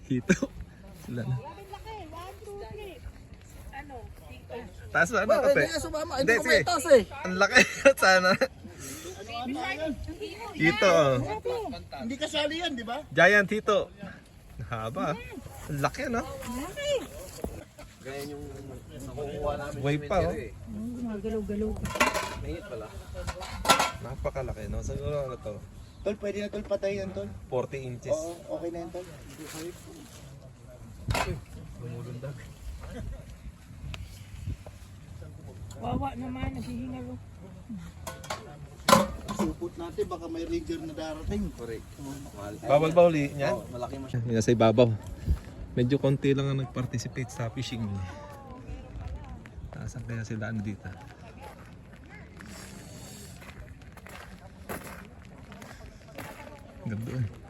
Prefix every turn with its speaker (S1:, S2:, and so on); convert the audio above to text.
S1: Dito. Sila na.
S2: Laki, 1, 2, 3. Ano?
S1: Taas na, ano kape? Hindi, sige. Ang laki. Sana. Dito, oh.
S3: Hindi kasali yan, di ba?
S1: Giant dito. Haba. Ang laki, no?
S2: Laki.
S4: Ganyan yung nakukuha namin.
S1: Way pa, oh.
S2: Gumagalaw-galaw.
S4: Mahingit pala.
S1: Napakalaki, no? Siguro ano to?
S3: Tol, pwede na tol patay yan, tol.
S1: 40 inches.
S3: Oo, okay na yan, tol.
S2: Wawa naman, naghihingalo.
S3: Supot natin, baka may ranger na darating.
S4: Correct. Mahal.
S1: Bawal ba uli niyan?
S4: Oh, malaki masyado.
S1: Yung nasa ibabaw. Medyo konti lang ang nag-participate sa fishing. Nasaan kaya sila ano dito? Ganda eh.